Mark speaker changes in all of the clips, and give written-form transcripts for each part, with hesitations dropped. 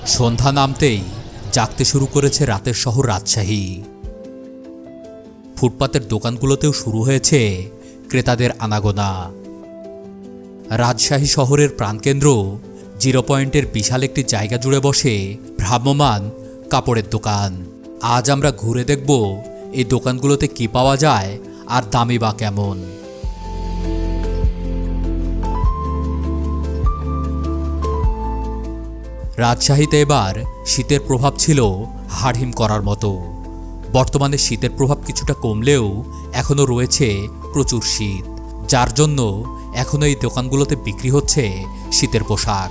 Speaker 1: সন্ধ্যা নামতেই জাগতে শুরু করেছে রাতের শহর রাজশাহী। ফুটপাতের দোকানগুলোতেও শুরু হয়েছে ক্রেতাদের আনাগোনা। রাজশাহী শহরের প্রাণকেন্দ্র জিরো পয়েন্টের বিশাল একটি জায়গা জুড়ে বসে ভ্রাম্যমান কাপড়ের দোকান। আজ আমরা ঘুরে দেখব এই দোকানগুলোতে কি পাওয়া যায় আর দামই বা কেমন। রাজশাহীতে এবার শীতের প্রভাব ছিল হাড়হিম করার মতো। বর্তমানে শীতের প্রভাব কিছুটা কমলেও এখনও রয়েছে প্রচুর শীত, যার জন্য এখনও এই দোকানগুলোতে বিক্রি হচ্ছে শীতের পোশাক।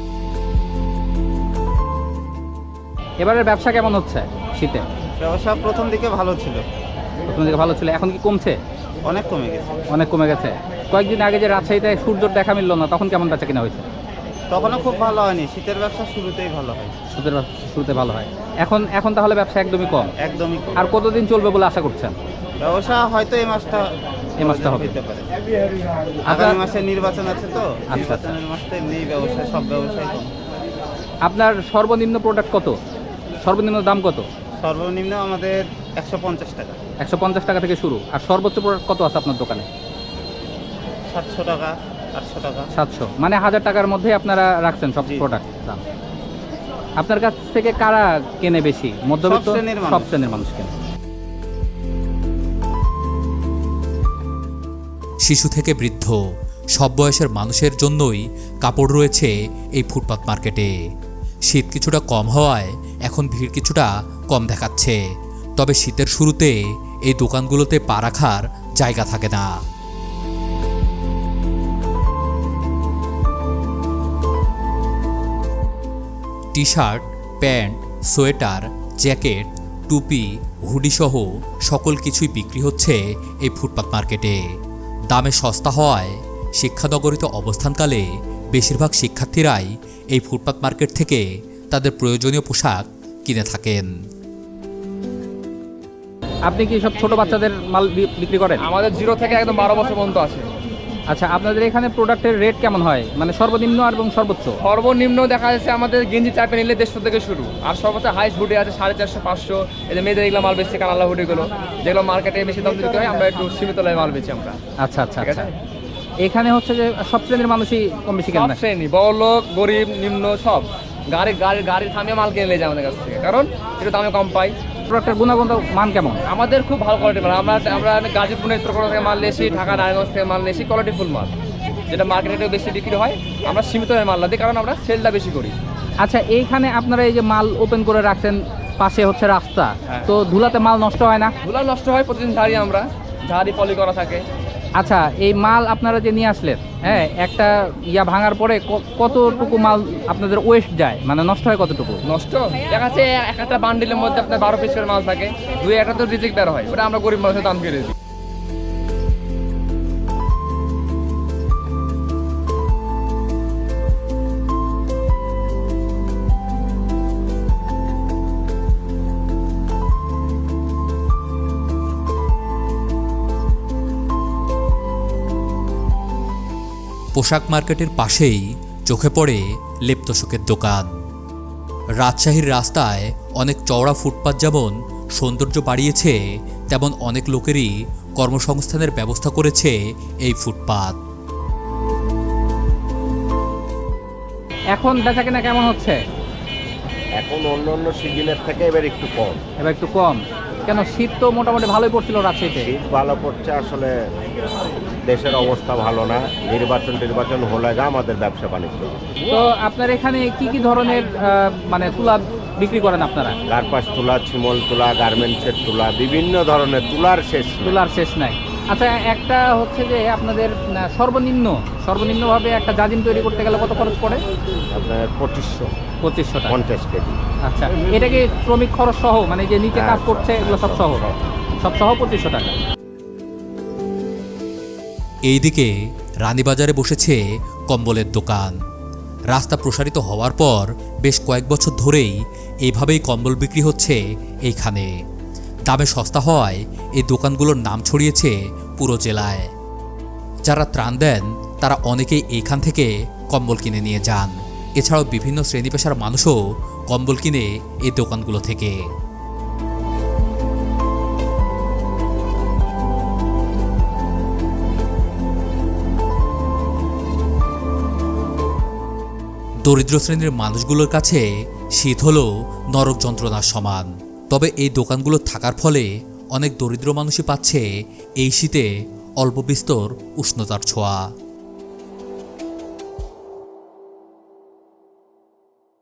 Speaker 2: এবারের ব্যবসা কেমন হচ্ছে শীতে?
Speaker 3: ব্যবসা প্রথম দিকে ভালো ছিল।
Speaker 2: এখন কি কমছে?
Speaker 3: অনেক কমে গেছে।
Speaker 2: অনেক কমে গেছে। কয়েকদিন আগে যে রাজশাহীতে সূর্যর দেখা মিলল না, তখন কেমন বেচা কিনা হয়েছে?
Speaker 3: তখনও খুব ভালো হয়নি। শীতের ব্যবসা শুরুতেই ভালো হয়।
Speaker 2: শুরুতে ভালো হয়। এখন তাহলে ব্যবসা একদমই কম।
Speaker 3: একদমই কম।
Speaker 2: আর কতদিন চলবে বলে আশা করছেন?
Speaker 3: ব্যবসা হয়তো এই মাসটা
Speaker 2: হবে।
Speaker 3: হতে পারে। আগামী মাসে নির্বাচন আছে তো, নির্বাচনের মাসটা এমনি ব্যবসা, সব ব্যবসায় কম।
Speaker 2: আপনার সর্বনিম্ন প্রোডাক্ট কত? সর্বনিম্ন দাম কত?
Speaker 3: সর্বনিম্ন আমাদের 150 টাকা।
Speaker 2: 150 টাকা থেকে শুরু। আর সর্বোচ্চ প্রোডাক্ট কত আছে আপনার দোকানে?
Speaker 3: 700 টাকা, 800 টাকা।
Speaker 2: 700, মানে 1000 টাকার মধ্যে আপনারা রাখছেন সব প্রোডাক্ট দাম। আপনার কাছ থেকে কারা কেনে বেশি? মধ্যবিত্ত? সব শ্রেণীর মানুষ কেনে।
Speaker 1: শিশু থেকে বৃদ্ধ সব বয়সের মানুষের জন্যই কাপড় রয়েছে এই ফুটপাত মার্কেটে। শীত কিছুটা কম হওয়ায় এখন ভিড় কিছুটা কম দেখাচ্ছে, তবে শীতের শুরুতে এই দোকানগুলোতে পা রাখার জায়গা থাকে না। T shirt, pant, sweater, jacket, টুপি, হুডিসহ সকল কিছুই বিক্রি হচ্ছে এই ফুটপাত মার্কেটে। দামে সস্তা হওয়ায় শিক্ষানগরীতে অবস্থানকালে বেশিরভাগ শিক্ষার্থীরাই এই ফুটপাত মার্কেট থেকে তাদের প্রয়োজনীয় পোশাক কিনে থাকেন।
Speaker 2: আপনি কি সব ছোট বাচ্চাদের মাল বিক্রি করেন?
Speaker 4: আমাদের 0 থেকে একদম 12 বছর পর্যন্ত আছে।
Speaker 2: আচ্ছা, আপনাদের এখানে প্রোডাক্টের রেট কেমন হয়, মানে সর্বনিম্ন এবং সর্বোচ্চ?
Speaker 4: সর্বনিম্ন দেখা যাচ্ছে আমাদের গেঞ্জি টাইপের নিলে 150 থেকে শুরু, আর সর্বোচ্চ হাইস্ট হুডি আছে 450, 500। এই যে মেয়েদের এগুলো মাল বেচছে, কানালা হুডিগুলো, যেগুলো মার্কেটে বেশি দাম দিতে হয়, আমরা একটু সীমিত লাভে মাল বেচি আমরা।
Speaker 2: আচ্ছা আচ্ছা আচ্ছা। এখানে হচ্ছে যে সব শ্রেণীর মানুষই কম বেশি কেন?
Speaker 4: সব শ্রেণী, বড় লোক, গরিব, নিম্ন, সব গাড়ি থামিয়ে মাল কিনে নিয়ে যায় আমাদের কাছ থেকে, কারণ একটু দামে কম পাই।
Speaker 2: প্রোডাক্টের গুণগত মান কেমন?
Speaker 4: আমাদের খুব ভালো কোয়ালিটির মাল। আমরা গাজীপুর নেত্রকোনা থেকে মাল নিয়েছি, ঢাকা নারায়ণগঞ্জ থেকে মাল নিয়েছি, কোয়ালিটিফুল মাল, যেটা মার্কেটে বেশি বিক্রি হয়। আমরা সীমিত মাল না দিই, কারণ আমরা সেলটা বেশি করি।
Speaker 2: আচ্ছা, এইখানে আপনারা এই যে মাল ওপেন করে রাখছেন, পাশে হচ্ছে রাস্তা,
Speaker 4: হ্যাঁ।
Speaker 2: তো ধুলাতে মাল নষ্ট হয় না?
Speaker 4: ধুলা নষ্ট হয়, প্রতিদিন ঝাড়ি পলি করা থাকে।
Speaker 2: আচ্ছা, এই মাল আপনারা যে নিয়ে আসলেন, হ্যাঁ, একটা ভাঙার পরে কতটুকু মাল আপনাদের ওয়েস্ট যায়, মানে নষ্ট হয় কতটুকু?
Speaker 4: নষ্ট দেখা যাচ্ছে একটা বান্ডিলের মধ্যে আপনার 12 পিসের মাল থাকে, 2-1টা তো রিজেক্ট বের হয়, ওটা আমরা গরিব মানুষের দাম কেড়ে দিই।
Speaker 1: পোশাক মার্কেটের পাশেই চোখে পড়ে লেপ্তশোকের দোকান। রাজশাহীর রাস্তায় অনেক চওড়া ফুটপাত যেমন সৌন্দর্য বাড়িয়েছে, তেমন অনেক লোকেরই কর্মসংস্থানের ব্যবস্থা করেছে এই ফুটপাত।
Speaker 2: এখন বেচাকেনা কেমন হচ্ছে?
Speaker 5: এখন অন্য সিজনের থেকে এবার একটু কম।
Speaker 2: কেন? শীত তো মোটামুটি ভালোই পড়ছিল রাজশাহীতে।
Speaker 5: শীত ভালো পড়ছে, আসলে দেশের অবস্থা ভালো না। নির্বাচন হলে আমাদের ব্যবসা বাণিজ্য।
Speaker 2: তো আপনার এখানে কি কি ধরনের মানে তুলা বিক্রি করেন আপনারা?
Speaker 5: কার্পাস তুলা, ছিমল তুলা, গার্মেন্টসের তুলা, বিভিন্ন ধরনের তুলার শেষ
Speaker 2: নাই। আচ্ছা, একটা হচ্ছে যে আপনাদের সর্বনিম্নভাবে একটা জাজিম তৈরি করতে গেলে কত খরচ পড়ে?
Speaker 5: আপনার 2500
Speaker 2: টাকা,
Speaker 5: 50 কেজি।
Speaker 2: আচ্ছা, এটা কি শ্রমিক খরচ সহ, মানে যে নিচে কাজ করছে এগুলো সব সহ 2500 টাকা।
Speaker 1: এইদিকে রানীবাজারে বসেছে কম্বলের দোকান। রাস্তা প্রসারিত হওয়ার পর বেশ কয়েক বছর ধরেই এইভাবেই কম্বল বিক্রি হচ্ছে এইখানে। দামে সস্তা হওয়ায় এই দোকানগুলোর নাম ছড়িয়েছে পুরো জেলায়। যারা ত্রাণ দেন তারা অনেকেই এইখান থেকে কম্বল কিনে নিয়ে যান। এছাড়াও বিভিন্ন শ্রেণী পেশার মানুষও কম্বল কিনে এই দোকানগুলো থেকে। দরিদ্র শ্রেণীর মানুষগুলোর কাছে শীত হলো নরক যন্ত্রণার সমান। তবে এই দোকানগুলো থাকার ফলে অনেক দরিদ্র মানুষই পাচ্ছে এই শীতে অল্প বিস্তর উষ্ণতার ছোঁয়া।